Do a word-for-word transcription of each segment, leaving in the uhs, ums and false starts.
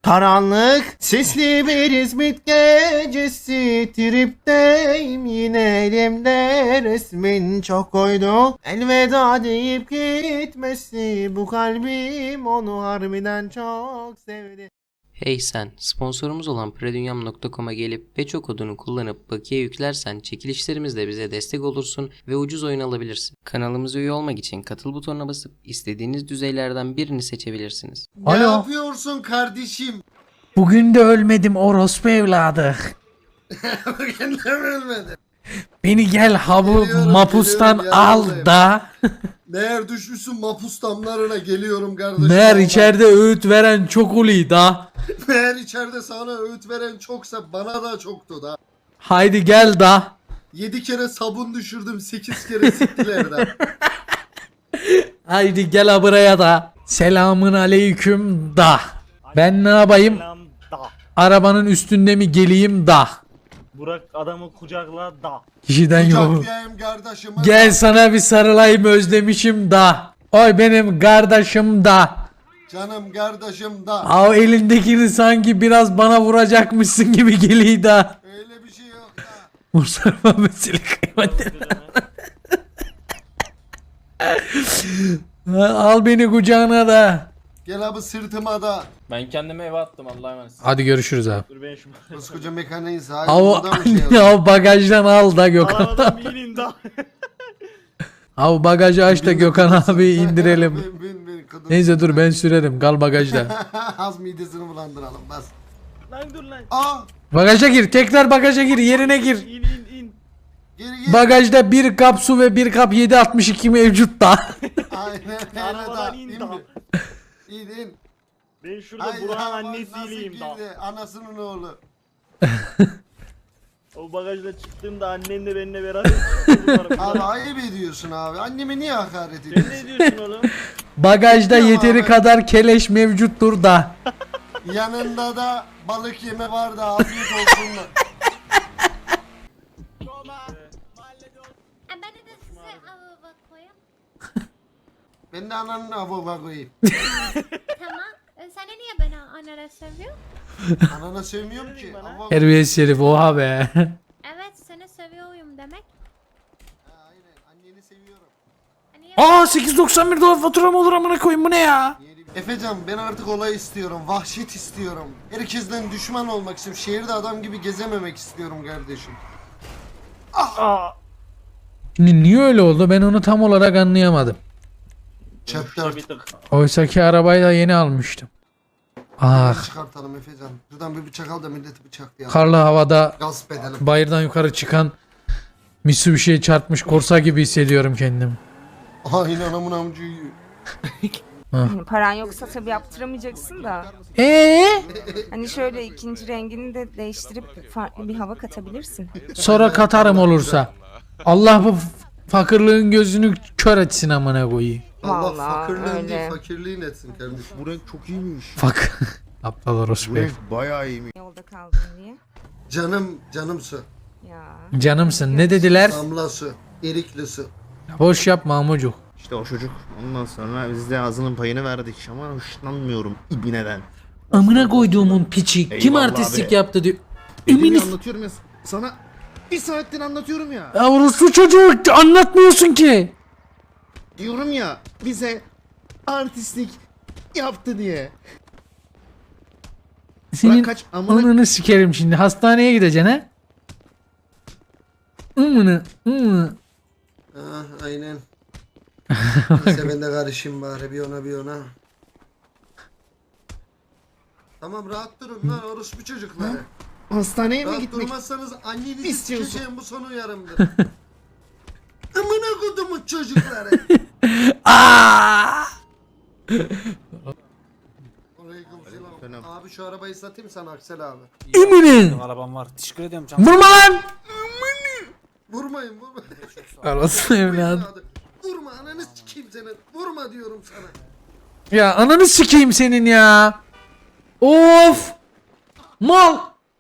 Karanlık sisli bir İzmit gecesi, tripteyim yine elimde resmin çok koydu. Elveda deyip gitmesi, bu kalbim onu harbiden çok sevdi. Hey sen, sponsorumuz olan predunyam nokta com'a gelip Beço kodunu kullanıp bakiye yüklersen çekilişlerimizle bize destek olursun ve ucuz oyun alabilirsin. Kanalımıza üye olmak için katıl butonuna basıp istediğiniz düzeylerden birini seçebilirsiniz. Ne Alo. yapıyorsun kardeşim? Bugün de ölmedim orospu evladı. Bugün de mi ölmedin? Beni gel ha bu Geliyorum, mapustan geliyorum, al yanındayım. da. Meğer düşmüşsün mapus damlarına, geliyorum kardeşim. Meğer Vallahi. içeride öğüt veren çok uli da. Meğer içeride sana öğüt veren çoksa bana da çoktu da. Haydi gel da. Yedi kere sabun düşürdüm, sekiz kere siktiler de. Haydi gel ha buraya da. Selamın aleyküm da. Ben ne yapayım? Selam da. Arabanın üstünde mi geleyim da. Burak adamı kucakla da. Kişiden yok. Kucaklayayım kardeşimi. Gel sana bir sarılayım özlemişim da. Oy benim kardeşim da. Canım kardeşim da. Av elindekini sanki biraz bana vuracakmışsın gibi geliyor da. Öyle bir şey yok da. Mustafa mesele kıymetli. Al beni kucağına da. Gel abi sırtıma da. Ben kendimi eve attım Allah'a emanet. Hadi görüşürüz abi. Dur ben şu Koskoca mekaniğiz. Hayır Av, burada mı şey anne, yapıyor? av bagajdan al da Gökhan. arabadan inin da. Av bagajı aç da Gökhan abi indirelim. Bin, bin, bin, kıdım. Neyse dur ben sürerim, kal bagajda. Az midesini bulandıralım bas. Lan dur lan. Aa Bagaja gir, tekrar bagaja gir, yerine gir. İn in in. geri geri. Bagajda bir kap su ve bir kap yedi altmış iki mevcut da. Aynen öyle Arabadan da. in İn da. mi? İn in. Ben şurada Ay, Burak'ın ya, annesiyim nasıl da. girdi? Anasının oğlu. O bagajla çıktığımda annen de benimle beraber çıktı. Abi ayıp ediyorsun abi. Anneme niye hakaret Sen ediyorsun? ne diyorsun oğlum? Bagajda Tamam yeteri abi. kadar keleş mevcuttur da. Yanında da balık yeme var da afiyet olsun da. Ben de size avova koyayım. Ben de ananın avova koyayım. Tamam. E, Sen niye beni anara seviyor? Anana sevmiyorum ki. Bana. Avova- Terbiyesiz herif oha be. Evet seni seviyorum demek. Ha, aynen anneni seviyorum. Hani Aa sekiz doksan bir dolar fatura mı olur amına koyayım, bu ne ya? Efecan ben artık olay istiyorum. Vahşet istiyorum. Herkesten düşman olmak istiyorum. Şehirde adam gibi gezememek istiyorum kardeşim. Aa. Şimdi niye öyle oldu, ben onu tam olarak anlayamadım. Chapter Bir tık. Oysaki arabayı da yeni almıştım. Ah, çıkartalım Efecan. Şuradan bir bıçak al da milleti bıçaklayalım. karlı havada Gasp edelim. bayırdan yukarı çıkan Mitsubishi'ye çarpmış korsa gibi hissediyorum kendimi. Aynen amın amcıyı. Paran yoksa tabii yaptıramayacaksın da. Eee? Hani şöyle ikinci rengini de değiştirip farklı bir hava katabilirsin. Sonra katarım olursa. Allah bu f- fakirliğin gözünü kör etsin amına koyayım. Allah Vallahi fakirliğin öyle. değil fakirliğin etsin kardeşim. Bu renk çok iyiymiş. Fak. Aptal orospu. Bu renk bayağı iyiymiş. Yolda kaldın diye. Canım canım su. Ya. Canımsın, ne dediler? Damla su. Erikli su. Boş yapma amucuk. İşte o çocuk. Ondan sonra biz de ağzının payını verdik ama hoşlanmıyorum ibineden. Amına koyduğumun piçi. Kim Eyvallah artistlik be. yaptı diyor. Elimi Eminis. anlatıyorum ya sana. Bir saattir anlatıyorum ya. Ya orospu çocuğu anlatmıyorsun ki. Diyorum ya bize artistlik yaptı diye. Senin kaç amına- ananı sikerim şimdi. Hastaneye gideceksin ha? Amına, amına. Ah aynen. Neyse ben de karışayım bari bir ona bir ona. Tamam rahat durun lan orospu çocukları. Hastaneye mi Rahat gitmek? durmazsanız annenizi İstiyorsun. sikeceğim, bu son uyarımdır. Amına kodumun çocukları. Aa! Aleykümselam. Selam. Abi şu arabayı satayım sana Aksel abi. Eminim. Arabam var. Teşekkür ediyorum canım. Vurma lan. Vurmayın vurmayın. Arası evladım. Evladım. Vurma ananı sikeyim senin. Vurma diyorum sana. Ya ananı sikeyim senin ya. Of. Mal.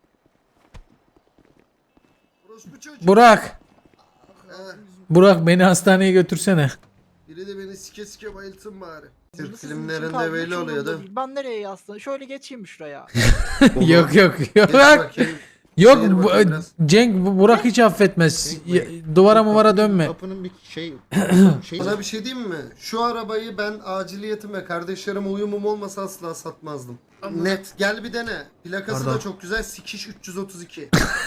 Orospu çocuk. Burak. He, Burak beni hastaneye götürsene. biri de beni sike sike bayıltsın bari. Türk Sizin filmlerinde için kaldı, böyle hiç oluyor umurumda değil mi? değil. Ben nereye yazsın? Şöyle geçeyim şuraya. Yok yok Geç yok. bakayım. Yok Seyir bu- bakayım biraz. Cenk bu- Burak hiç affetmez. Ya- Duvara muvara dönme. Kapının bir şey şey Sana bir şey diyeyim mi? Şu arabayı ben aciliyetim ve kardeşlerime uyumum olmasa asla satmazdım. Net. Gel bir dene. Plakası Pardon. da çok güzel. Sikiş üç yüz otuz iki.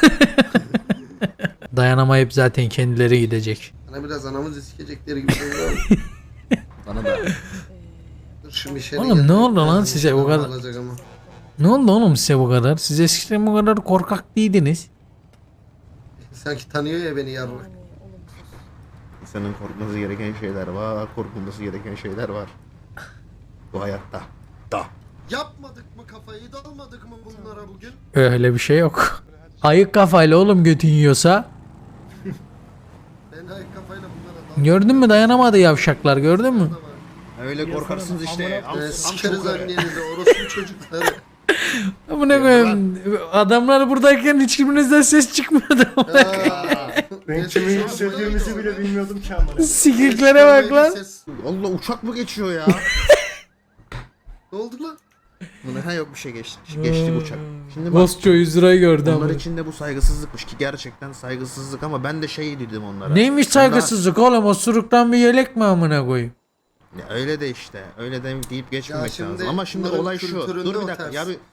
Dayanamayıp zaten kendileri gidecek. Bana biraz anamızı sikecekleri gibi oluyor. bana da. Dur şimdi içeri Oğlum gel. ne oldu lan Birazdan size bu içeriden kadar? alacak ama. Ne oldu oğlum size bu kadar? Siz eskiden bu kadar korkak değildiniz. Sanki tanıyor ya beni yarrak. İnsanın korkması gereken şeyler var, korkulması gereken şeyler var. Bu hayatta. Da. Yapmadık mı kafayı? Dalmadık mı bunlara bugün? Öyle bir şey yok. Ayık kafayla oğlum götün yiyorsa. Ben ayık kafayla bunlara daldım. Gördün mü dayanamadı yavşaklar gördün mü? Öyle korkarsınız işte. Al, Ee, al sikeriz çocukları. annenizi, orospu çocukları. Bu ne koyayım? Adamlar buradayken hiçbirinizden ses çıkmıyordu. Ben kimi Hissettiğimizi bile bilmiyordum ki amına. Sikiklere bak lan. Allah uçak mı geçiyor ya? Ne oldu lan? Buna ha yok bir şey geçti. Geçti bu uçak. Şimdi bak. Bosço yüz lirayı gördü ama. Onlar için de bu saygısızlıkmış ki gerçekten saygısızlık ama ben de şey dedim onlara. Neymiş Ben saygısızlık oğlum? O suruktan bir yelek mi amına koyayım? daha- Ya öyle de işte. Öyle de deyip geçmemek şimdi lazım. Ama şimdi bunların olay şu. kültüründe Dur bir o dakika ters. ya bir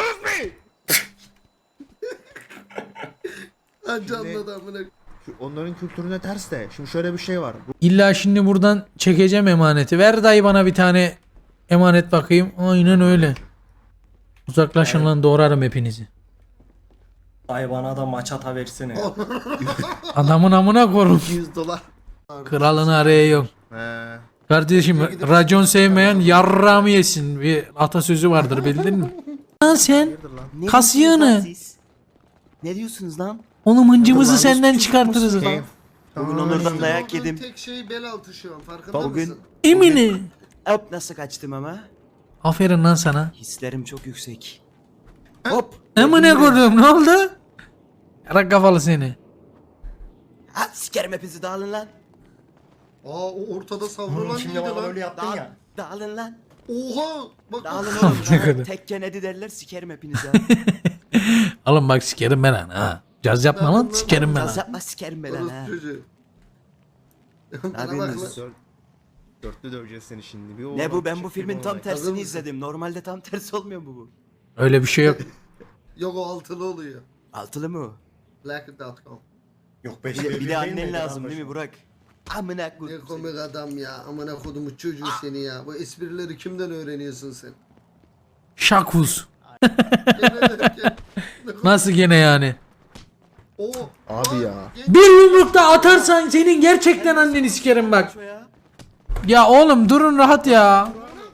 Ha canlı amına. şu onların kültürüne ters de. Şimdi şöyle bir şey var. Bu İlla şimdi buradan çekeceğim emaneti. Ver dayı bana bir tane emanet bakayım. Aynen öyle. Uzaklaşın lan doğrarım hepinizi. Ay bana da maçata versene. Adamın amına korum. yüz dolar. Kralını araya yok. He. Kardeşim racon sevmeyen yarrağımı yesin. Bir atasözü vardır bildin mi? Lan sen Hayırdır lan? kas yığını. Ne diyorsunuz lan? Oğlum hıncımızı senden çıkartırız. Keyif. Bugün Tamam. onlardan dayak Olduğun yedim. tek şey bel altı şu an farkında Bugün- mısın? Emini. Hop nasıl kaçtım ama? Aferin lan sana. Hislerim çok yüksek. Hop. Amına koydum ne oldu? Yarak kafalı seni. Ha sikerim hepinizi dağılın lan. Aa o ortada savrulan Şimdi neydi bana lan? böyle yaptın Dağıl, ya. dağılın lan. Oha! Bak Dağılın bak. oğlum. Ne Dağılın. kadar? Tek Kennedy derler sikerim hepinizi. Oğlum bak sikerim ben lan ha. Caz yapma lan sikerim ben Naz ha. yapma sikerim ben lan ha. Orospu çocuğu. Bana bak yapıyorsunuz? lan. Dört- Dörtlü döveceğiz seni şimdi. Bir o Ne olay, bu ben bu çektim filmin tam olay. Hazır tersini mısın? izledim. Normalde tam tersi olmuyor mu bu? Öyle bir şey yok. Yok o altılı oluyor. Altılı mı o? Black dot com. Yok Bir beş de, bir de annen lazım değil mi Burak? Amına Ne koyayım. komik adam ya. Amına kodumu çocuğu seni ya. Bu esprileri kimden öğreniyorsun sen? Şakuz. Gene derken. Nasıl gene yani? Oo. Abi ya. Bir yumrukta atarsan senin gerçekten anneni sikerim bak. Şu ya. Ya oğlum durun rahat ya.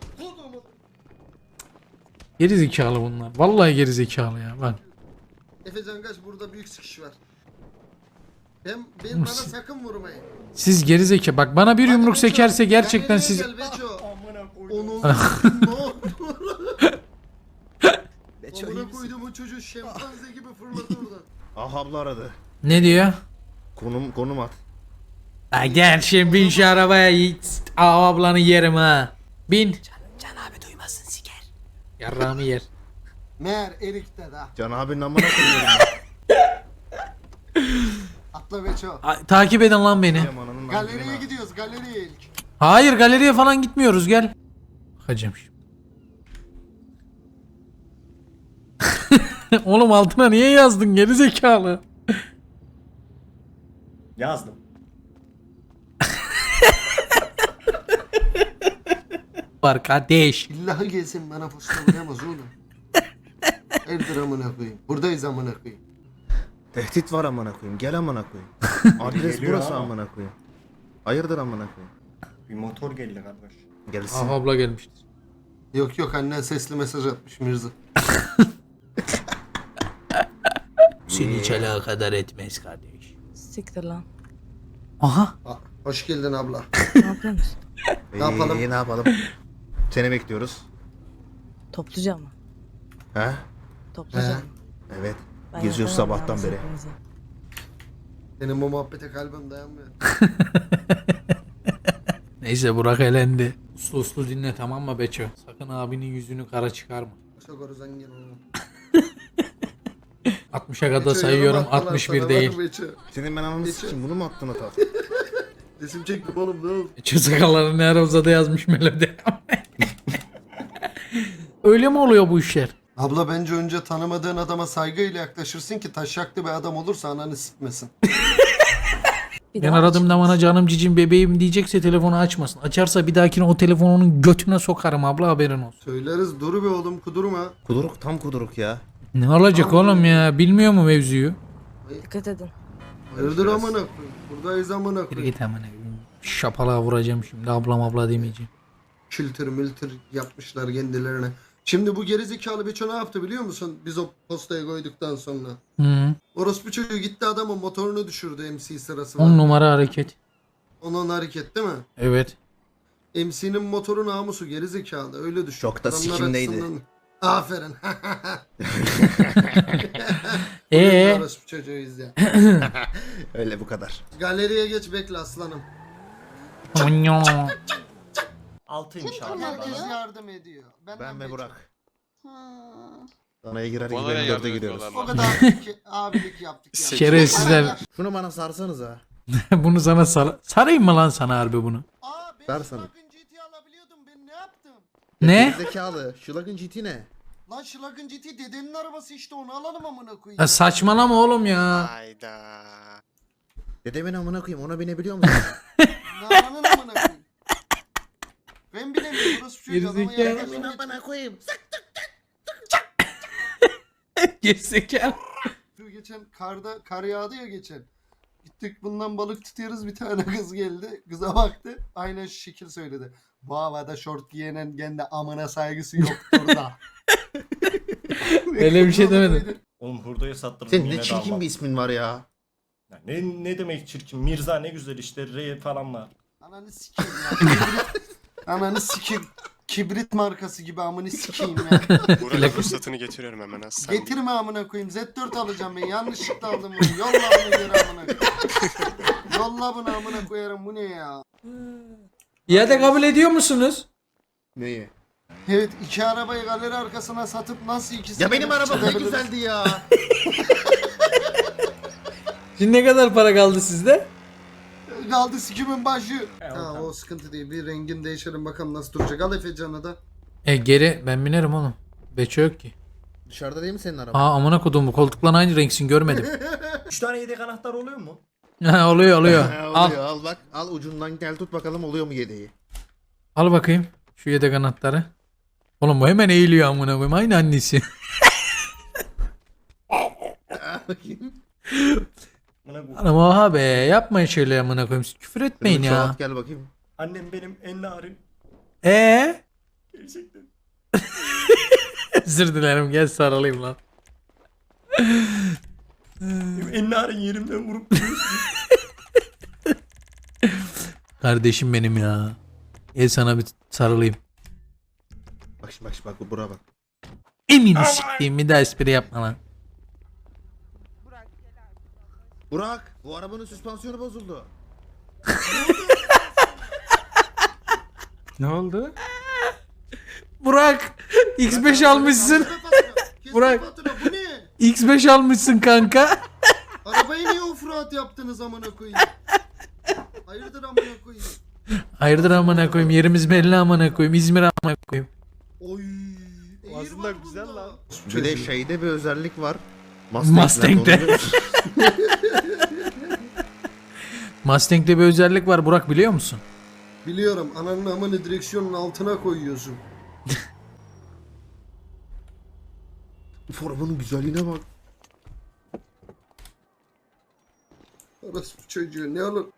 Geri zekalı bunlar. Vallahi geri zekalı ya bak. Efecan kaç burada büyük sıkış var. Ben, ben bana sakın vurmayın. Siz geri zeka. Bak bana bir yumruk sekerse gerçekten siz... Gel Beço. Amına koydum. Onun ne oldu? Beço iyi Amına misin? koydum o çocuğu şempanze gibi fırladı oradan. Ah abla aradı. Ne diyor? Konum konum at. Ha gel şimdi bin şu arabaya yiğit. Aa ablanı yerim ha. Bin. Can abi duymasın siker. Yarrağımı yer. Meğer Erik de da. Can abinin amına koyuyorum. Atla Beço. A- takip edin lan beni. Benim ananın Galeriye amına. gidiyoruz galeriye ilk. Hayır galeriye falan gitmiyoruz gel. Bakacağım şimdi. Oğlum altına niye yazdın geri zekalı? Yazdım. Var kardeş. İllahi gelsin bana postalayamaz oğlum. Evdir amına koyayım. Buradayız amına koyayım. Tehdit var amına koyayım. Gel amına koyayım. Adres Geliyor burası ama. amına koyayım. Hayırdır amına koyayım. Bir motor geldi kardeş. Gelsin. Ah abla gelmiştir. Yok yok annen sesli mesaj atmış Mirza. Seni hiç alakadar etmez kardeş. Siktir lan. Aha. Aa, hoş geldin abla. Ne yapıyorsunuz? Ee, Ne yapalım? ne yapalım? Seni bekliyoruz. Topluca mı? He? Topluca He. mı? Evet. Ben Geziyoruz yapamam sabahtan yalnız beri. hepinize. Senin bu muhabbete kalbim dayanmıyor. Neyse Burak elendi. Uslu uslu dinle tamam mı Beço? Sakın abinin yüzünü kara çıkarma. Çok oru zengin oğlum. altmışa kadar Beço, sayıyorum yorum attılar altmış sana, bir var değil. mı Beço? Senin ben ananı sikeyim bunu mu attın ata? Resim çektim oğlum ne oldu? Beço sakalları ne ara uzadı yazmış melodi. Öyle mi oluyor bu işler? Abla bence önce tanımadığın adama saygıyla yaklaşırsın ki taşaklı bir adam olursa ananı sikmesin. Bir Ben daha aradığımda bana canım cicim bebeğim diyecekse telefonu açmasın. Açarsa bir dahakine o telefonu onun götüne sokarım abla haberin olsun. Söyleriz dur be oğlum kudurma. Kuduruk tam kuduruk ya. Ne olacak oğlum ya bilmiyor mu mevzuyu? dikkat edin. Hayırdır amına koyayım. Buradayız amına Bir koyayım. git hemen. Şapalığa vuracağım şimdi ablam abla demeyeceğim. Kültür mültür yapmışlar kendilerine. Şimdi bu gerizekalı Beço ne yaptı biliyor musun? Biz o postaya koyduktan sonra. Hı. Orospu çocuğu gitti adamın motorunu düşürdü M C sırası On var. numara hareket. Onun hareket değil mi? Evet. M C'nin motoru namusu gerizekalı öyle düşün. Çok da Adamlar sikimdeydi. açısından- Aferin. Ee, Orospu çocuğuyuz ya. Öyle bu kadar. Galeriye geç bekle aslanım. Altıymış abi. Herkes yardım ediyor. Benden Ben ve Beço. Burak. Danaya girer gibi Bana ne dörde yardım giriyoruz. ediyorlar O lan? kadar abilik, abilik yaptık ya. Şerefsizler. Şunu bana sarsanız ha. Bunu sana sar sarayım mı lan sana harbi bunu? Aa ben Versene. Schlagen G T alabiliyordum ben ne yaptım? Ne? Zekalı. Schlagen G T ne? Lan Schlagen G T dedenin arabası işte onu alalım amına koyayım. Ya saçmalama oğlum ya. Hayda. Dedemin amına koyayım ona binebiliyor musun? Nananın amına koyayım. Ben bilemiyorum burası çocuğu adama Gerizekalı. yaklaşım geç- amına koyayım. Gerizekalı. Şu geçen karda kar yağdı ya geçen. Gittik bundan balık tutuyoruz bir tane kız geldi. Kıza baktı aynen şu şekil söyledi. Bu havada şort giyenin kendi amına saygısı yoktur da. Öyle bir şey demedim. Oğlum hurdaya sattırdım Senin yine ne de çirkin almam. bir ismin var ya. Ya Ne, ne demek çirkin? Mirza ne güzel işte. R falan var. Ananı sikeyim ya. Kibrit, ananı sikeyim. Kibrit markası gibi amını sikeyim ya. Buranın ruhsatını getiriyorum hemen az. Sen Getirme amına koyayım. Z dört alacağım ben. Yanlışlıkla aldım bunu. Yolla bunu geri amına koyayım. Yolla bunu amına koyarım. Bu ne ya? İade kabul ediyor musunuz? Neyi? Evet iki arabayı galeri arkasına satıp nasıl ikisi Ya benim arabam ne güzeldi ya. Şimdi ne kadar para kaldı sizde? Kaldı sikimin başı. He, Ha tamam. o sıkıntı değil. Bir rengin değişelim bakalım nasıl duracak. Al Efecan'ı da. E geri ben binerim oğlum. Beço yok ki. Dışarıda değil mi senin araban? Aa amına kodum bu koltukla aynı renksin görmedim. Üç tane yedek anahtar oluyor mu? Ha, oluyor oluyor. Ha, Al. oluyor, al bak al ucundan gel tut bakalım oluyor mu yedeği. Al bakayım şu yedek anahtarı. Oğlum bu hemen eğiliyor amına koyayım aynı annesi. Bakayım. Bana bu. Anam oha be yapmayın şöyle amına koyayım. Siz küfür etmeyin Kırmızı ya. çorap gel bakayım. Annem benim en narin. Ee? Gerçekten. Özür dilerim gel sarılayım lan. Benim en narin yerimden vurup duruyorsun. Kardeşim benim ya. Gel sana bir sarılayım. Bak şimdi bak şimdi bak bura bak. Emini siktiğim bir daha espri yapma lan. Burak bu arabanın süspansiyonu bozuldu. Ne oldu? Burak X beş almışsın. Burak. Burak. Bu ne? X beş almışsın kanka. Arabayı niye offroad yaptınız amına koyayım? Hayırdır amına koyayım? Hayırdır amına koyayım yerimiz belli amına koyayım İzmir amına koyayım. Oy. Eğir Aslında var güzel bunda. lan. Bir de şeyde bir özellik var. Mustang'de. onu biliyor musun? Mustang'de bir özellik var Burak biliyor musun? Biliyorum ananın amını direksiyonun altına koyuyorsun. Uf arabanın güzelliğine bak. Orası bu çocuğu ne olur.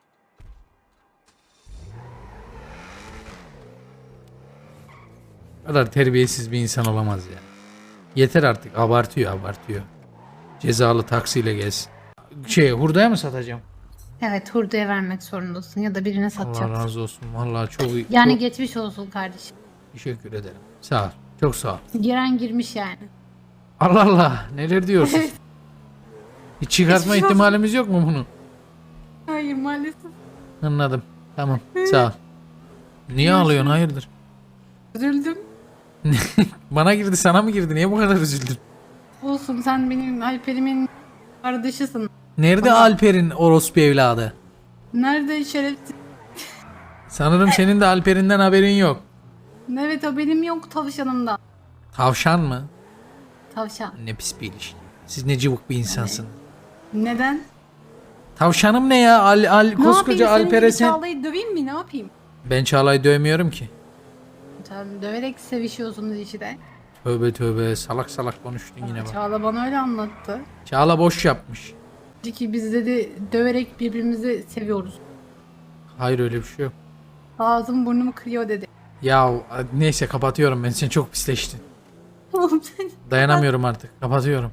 O kadar terbiyesiz bir insan olamaz ya. Yeter artık abartıyor abartıyor. Cezalı taksiyle gelsin. Şey hurdaya mı satacağım? Evet hurdaya vermek zorundasın ya da birine Allah satacaksın. razı olsun. Vallahi çok iyi. Yani çok geçmiş olsun kardeşim. teşekkür ederim. Sağ ol. Çok sağ ol. Giren girmiş yani. Allah Allah. Neler diyorsun? Hiç çıkartma Geçmiş olsun. ihtimalimiz yok mu bunu? Hayır maalesef. Anladım. Tamam. Sağ ol. Niye ağlıyorsun hayırdır? Üzüldüm. Bana girdi sana mı girdi? Niye bu kadar üzüldün? Olsun, sen benim Alper'imin kardeşisin. Nerede Ama- Alper'in orospu evladı? Nerede şerefsiz? Sanırım senin de Alper'inden haberin yok. Evet, o benim yok tavşanımda. Tavşan mı? Tavşan. Ne pis bir ilişki. Siz ne cıvık bir insansın. Neden? Tavşanım ne ya? Al, al, Ne koskoca yapayım, senin Alper'e gibi sen... Çağla'yı döveyim mi, ne yapayım? Ben Çağla'yı dövmüyorum ki. Sen döverek sevişiyorsunuz işte. Tövbe tövbe salak salak konuştun yine bak. Çağla bana öyle anlattı. Çağla boş yapmış. Dedi ki biz dedi döverek birbirimizi seviyoruz. Hayır öyle bir şey yok. Ağzım burnumu kırıyor dedi. Ya neyse kapatıyorum ben, sen çok pisleştin. Oğlum sen... Dayanamıyorum artık, kapatıyorum.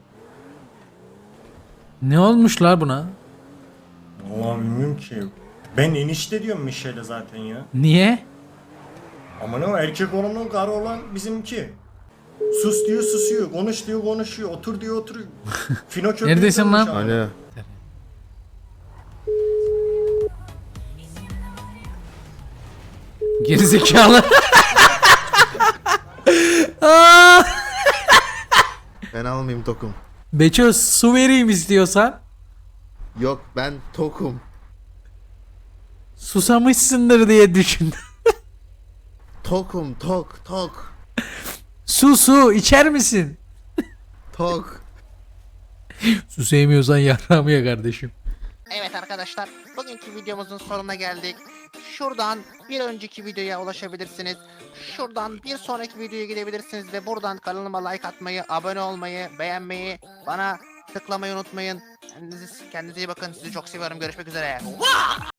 Ne olmuş la buna? Vallahi bilmiyorum ki. Ben enişte diyorum Michelle'e zaten ya. Niye? Ama ne o erkek olanın karı olan bizimki. Sus diyor susuyor, konuş diyor konuşuyor, otur diyor oturuyor. Fino köpeği Neredesin dönmüş lan? abi. Hani Gerizekalı. Aa! ben almayayım tokum. Beço su vereyim istiyorsan. Yok ben tokum. Susamışsındır diye düşündüm. Tokum tok tok. Su su içer misin? Tok. Su sevmiyorsan yarrağımı ye kardeşim. Evet arkadaşlar, bugünkü videomuzun sonuna geldik. Şuradan bir önceki videoya ulaşabilirsiniz. Şuradan bir sonraki videoya gidebilirsiniz ve buradan kanalıma like atmayı, abone olmayı, beğenmeyi, bana tıklamayı unutmayın. Kendinize, kendinize iyi bakın. Sizi çok seviyorum. Görüşmek üzere.